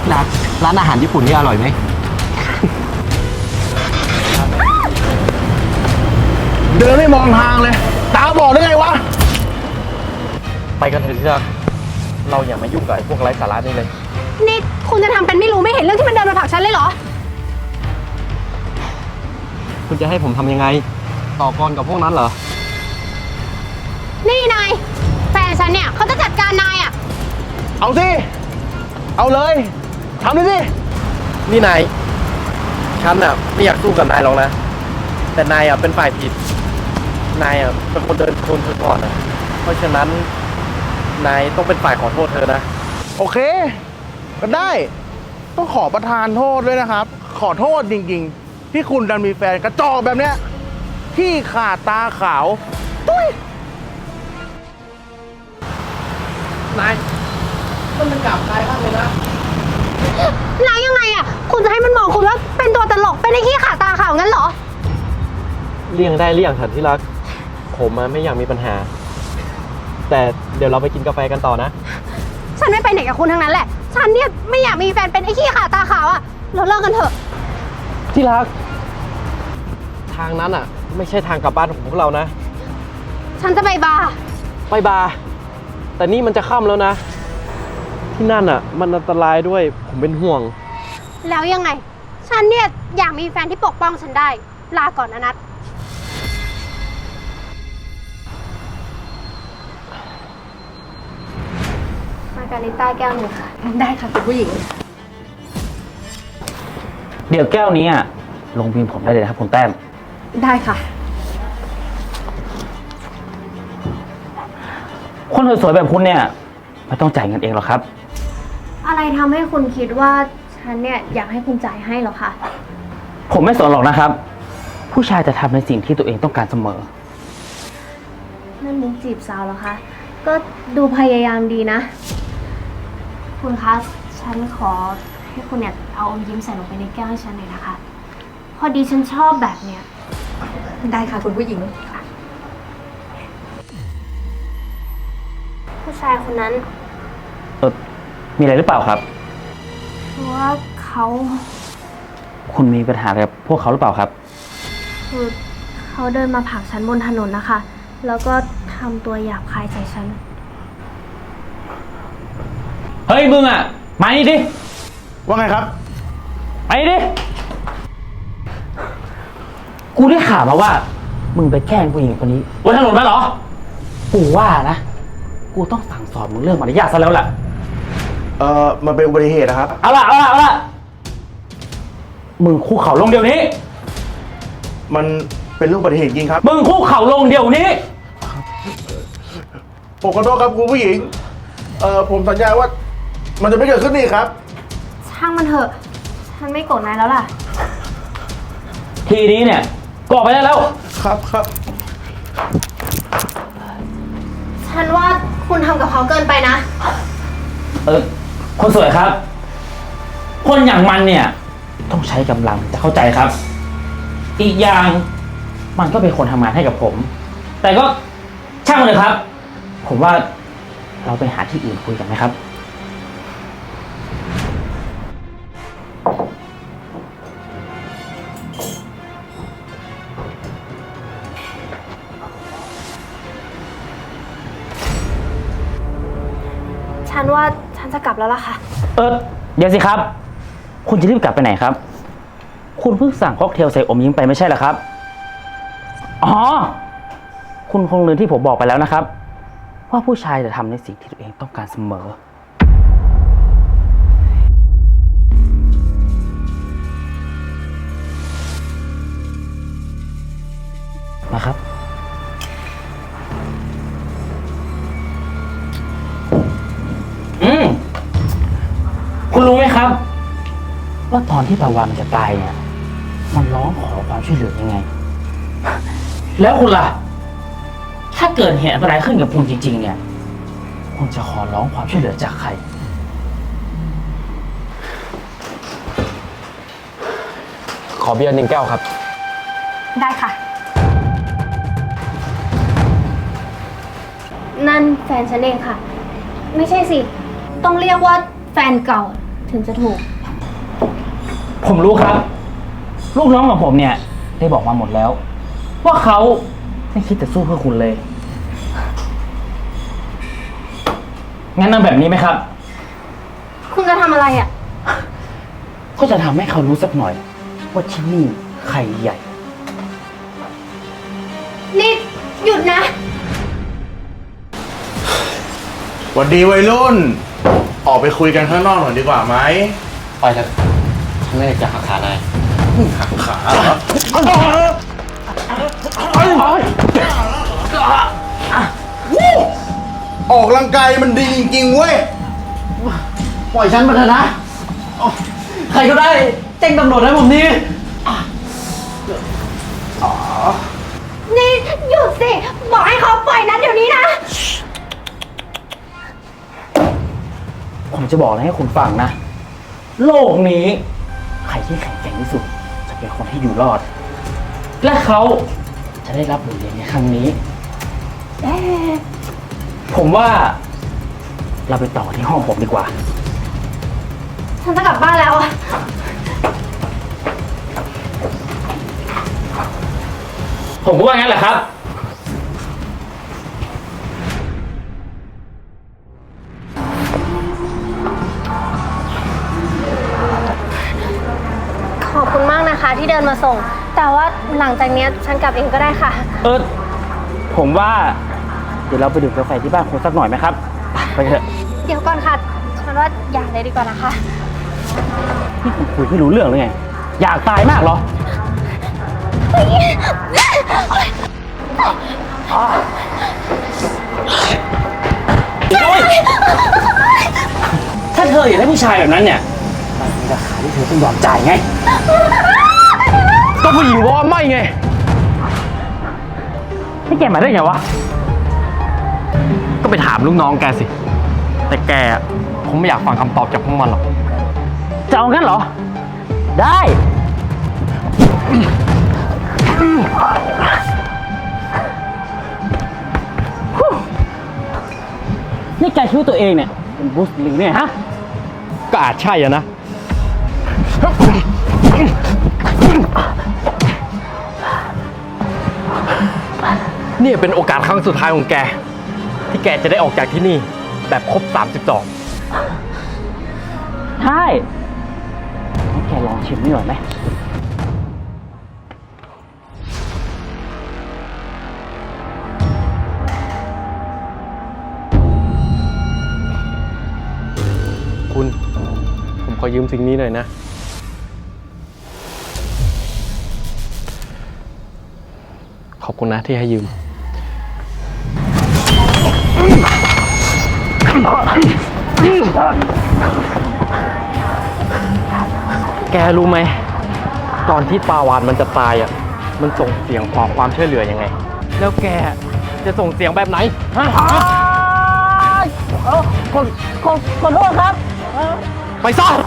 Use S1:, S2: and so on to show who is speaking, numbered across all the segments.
S1: ร้านอาหารญี่ปุ่นนี่อร่อยไหม
S2: เดินไม่มองทางเลยตาบอดได้ไงวะ
S1: ไปกันเถอะที่รักเราอย่ามายุ่งกับไอ้พวกไร้สาระนี่เลย
S3: นี่คุณจะทำเป็นไม่รู้ไม่เห็นเรื่องที่มันเดินมาผลักฉันเลยเหรอ
S1: คุณจะให้ผมทำยังไงต่อกรกับพวกนั้นเหรอ
S3: นี่นายแฟนฉันเนี่ยเขาจะจัดการนายอ่ะ
S2: เอาสิเอาเลยทำเลยสิ
S1: นี่นายฉันไม่อยากสู้กับนายหรอกนะแต่นายเป็นฝ่ายผิดนายเป็นคนเดินชนเธอก่อนเพราะฉะนั้นนายต้องเป็นฝ่ายขอโทษเธอนะ
S2: โอเคก็ได้ต้องขอประทานโทษด้วยนะครับ ขอโทษจริงๆที่คุณดันมีแฟนกระจอกแบบเนี้ยที่ขาดตาขาวตุ้ย
S1: นายต้องเป็นกลับนายบ้างเลยนะ
S3: นายยังไงอ่ะ คุณจะให้มันมองคุณว่าเป็นตัวตลกเป็นไอ้ขี้ขาตาขาวงั้นเหรอ
S1: เลี่ยงได้เลี่ยงเถอะที่รักผมไม่อยากมีปัญหา แต่เดี๋ยวเราไปกินกาแฟกันต่อนะ
S3: ฉันไม่ไปไหนกับคุณทั้งนั้นแหละ ฉันเนี่ยไม่อยากมีแฟนเป็นไอ้ขี้ขาตาขาวอ่ะ เราเลิกกันเถอะ
S1: ที่รักทางนั้นไม่ใช่ทางกลับบ้านของพวกเรานะ
S3: ฉันจะไปบาร์
S1: ไปบาร์แต่นี่มันจะค่ำแล้วนะ ที่นั่นมันอันตรายด้วยผมเป็นห่วง
S3: แล้วยังไง ฉันเนี่ยอยากมีแฟนที่ปกป้องฉันได้ ลาก่อนนะนัทมาการิต้าแก้วหนึ่งค่ะ ได้ค่ะคุณผู้หญิง
S4: เดี๋ยวแก้วนี้ลงพิมพ์ผมได้เลยนะครับคุณแต้ม
S3: ได้ค่ะ
S4: คนสวยๆแบบคุณเนี่ยไม่ต้องจ่ายเงินเองหรอกครับ
S3: อะไรทำให้คุณคิดว่าฉันเนี่ยอยากให้คุณจ่ายให้หรอคะ
S4: ผมไม่สนหรอกนะครับ ผู้ชายจะทำในสิ่งที่ตัวเองต้องการเสมอ
S3: นั่นมุกจีบสาวเหรอคะ ก็ดูพยายามดีนะ คุณคะ ฉันขอให้คุณเนี่ยเอาอมยิ้มใส่ลงไปในแก้วให้ฉันหน่อยนะคะ พอดีฉันชอบแบบเนี้ย
S5: ได้ค่ะคุณผู้หญิง
S3: ผู้ชายคนนั้น
S4: มีอะไรหรือเปล่าครับ
S3: คือว่าเขา
S4: คุณมีปัญหาอะไรกับพวกเขาหรือเปล่าครับ
S3: คือเขาเดินมาผลักฉันบนถนนนะคะ แล้วก็ทำตัวหยาบคายใส่ฉัน
S4: เฮ้ยมึงมานี่ดิ
S2: ว่าไงครับ
S4: ไปดิ กูได้ข่าวมาว่า มึงไปแกล้งผู้หญิงคนนี้บนถนนมาเหรอ กูว่านะ กูต้องสั่งสอนมึงเรื่องมารยาทซะแล้วล่ะ
S2: มันเป็นอุบัติเหตุนะครับ
S4: เอาล่ะ มึงคุกเข่าลงเดี๋ยวนี้
S2: มันเป็นเรื่องอุบัติเหตุจริงครับ
S4: มึงคุกเข่าลงเดี๋ยวนี้
S2: ผมขอโทษครับคุณผู้หญิง ผมสัญญาว่ามันจะไม่เกิดขึ้นอีกครับ
S3: ช่างมันเถอะ ฉันไม่โกรธนายแล้วล่ะ
S4: ทีนี้เนี่ยก็ออกไปได้แล้ว
S2: ครับครับ
S3: ฉันว่าคุณทำกับเขาเกินไปนะ
S4: คนสวยครับ คนอย่างมันเนี่ยต้องใช้กำลังจะเข้าใจครับ อีกอย่างมันก็เป็นคนทำงานให้กับผม แต่ก็ช่างมันเลยครับ ผมว่าเราไปหาที่อื่นคุยกันไหมครับ
S3: ฉันว่าฉันจะกลับแล้วล่ะค่ะ
S4: เดี๋ยวสิครับ คุณจะรีบกลับไปไหนครับ คุณเพิ่งสั่งค็อกเทลใส่อมยิ้มไปไม่ใช่เหรอครับ อ๋อ คุณคงลืมที่ผมบอกไปแล้วนะครับ ว่าผู้ชายจะทำในสิ่งที่ตัวเองต้องการเสมอ มาครับ คุณรู้ไหมครับ ว่าตอนที่ปาวานมันจะตายเนี่ย มันร้องขอความช่วยเหลือยังไง แล้วคุณล่ะ ถ้าเกิดเหตุอะไรขึ้นกับคุณจริงๆ เนี่ย คุณจะขอร้องความช่วยเหลือจากใคร
S1: ขอเบียร์1 แก้วครับ
S3: ได้ค่ะ นั่นแฟนฉันเองค่ะ ไม่ใช่สิ ต้องเรียกว่าแฟนเก่าถึงจะถูก
S4: ผมรู้ครับ ลูกน้องของผมเนี่ย ได้บอกมาหมดแล้ว ว่าเขาไม่คิดจะสู้เพื่อคุณเลย งั้นเอาแบบนี้ไหมครับ
S3: คุณจะทำอะไรอ่ะ
S4: ก็จะทำให้เขารู้สักหน่อย ว่าที่นี่ใครใหญ่
S3: นี่หยุดนะ
S2: หวัดดีวัยรุ่น ออกไปคุยกันข้างนอกหน่อยดีกว่าไหม
S1: ไปเถอะฉันไม่อยากจะหักขานาย
S2: หักขาเหรอออกกำลังกายมันดีจริงๆเว้ย
S4: ปล่อยฉันมาเถอะนะ ใครก็ได้แจ้งตำรวจให้ผมนี่
S3: นี่หยุดสิ บอกให้เขาปล่อยนัดเดี๋ยวนี้นะ
S4: ผมจะบอกอะไรให้คุณฟังนะ โลกนี้ ใครที่แข็งแกร่งที่สุด จะเป็นคนที่อยู่รอด และเขาจะได้รับบทเรียนในครั้งนี้ผมว่าเราไปต่อที่ห้องผมดีกว่า
S3: ฉันจะกลับบ้านแล้วอะ
S4: ผมก็ว่างั้นแหละครับ
S3: ขอบคุณมากนะคะที่เดินมาส่ง แต่ว่าหลังจากเนี้ยฉันกลับเองก็ได้ค่ะ
S4: ผมว่า เดี๋ยวเราไปดื่มกาแฟที่บ้านคุณสักหน่อยไหมครับ ไปเถอะ
S3: เดี๋ยวก่อนค่ะ ฉันว่าอย่าเลยดีกว่านะคะ
S4: นี่คุณคุยไม่รู้เรื่องเลยไง อยากตายมากเหรอ ถ้าเธออยากได้ผู้ชายแบบนั้นเนี่ยมันมีราคาที่เธอต้องยอมจ่ายไง
S1: ก็ผู้หญิงบอกว่าไม่ไง
S4: ให้แกมาได้ไงวะ
S1: ก็ไปถามลูกน้องแกสิ แต่แกอะคงไม่อยากฟังคำตอบจากพวกมันหรอก
S4: จะเอางั้นเหรอ ได้ นี่แกคิดว่าตัวเองเนี่ย เป็นบรูซลีเนี่ยฮะ
S1: ก็อาจใช่อะนะ นี่เป็นโอกาสครั้งสุดท้ายของแก ที่แกจะได้ออกจากที่นี่ แบบครบ 32
S4: ใช่งั้นแกลองชิมนี่หน่อยไหม
S1: คุณ ผมขอยืมสิ่งนี้หน่อยนะ ขอบคุณนะที่ให้ยืม แกรู้ไหม ตอนที่ปลาวานมันจะตายอ่ะ มันส่งเสียงขอความช่วยเหลือยังไง แล้วแกจะส่งเสียงแบบไหนฮะ
S4: ขอโทษครับ
S1: ไปซ่อน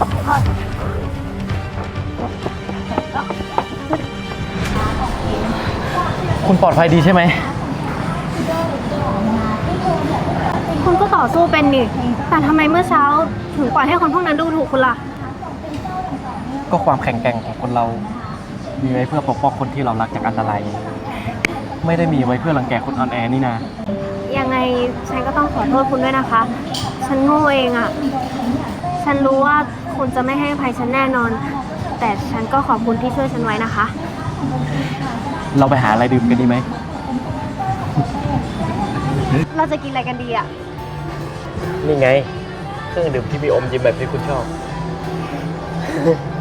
S1: คุณปลอดภัยดีใช่ไหม
S3: คุณก็ต่อสู้เป็นนี่ แต่ทำไมเมื่อเช้าถึงปล่อยให้คนพวกนั้นดูถูกคุณล่ะ
S1: ก็ความแข็งแกร่งของคนเรา มีไว้เพื่อปกป้องคนที่เรารักจากอันตราย ไม่ได้มีไว้เพื่อรังแกคนอ่อนแอนี่นา
S3: ยังไงฉันก็ต้องขอโทษคุณด้วยนะคะ ฉันโง่เองอะฉันรู้ว่าคุณจะไม่ให้อภัยฉันแน่นอน แต่ฉันก็ขอบคุณที่ช่วยฉันไว้นะคะ
S1: เราไปหาอะไรดื่มกันดีไหม
S3: เราจะกินอะไรกันดีอะ
S1: นี่ไง เครื่องดื่มที่มีอมยิ้มแบบที่คุณชอบ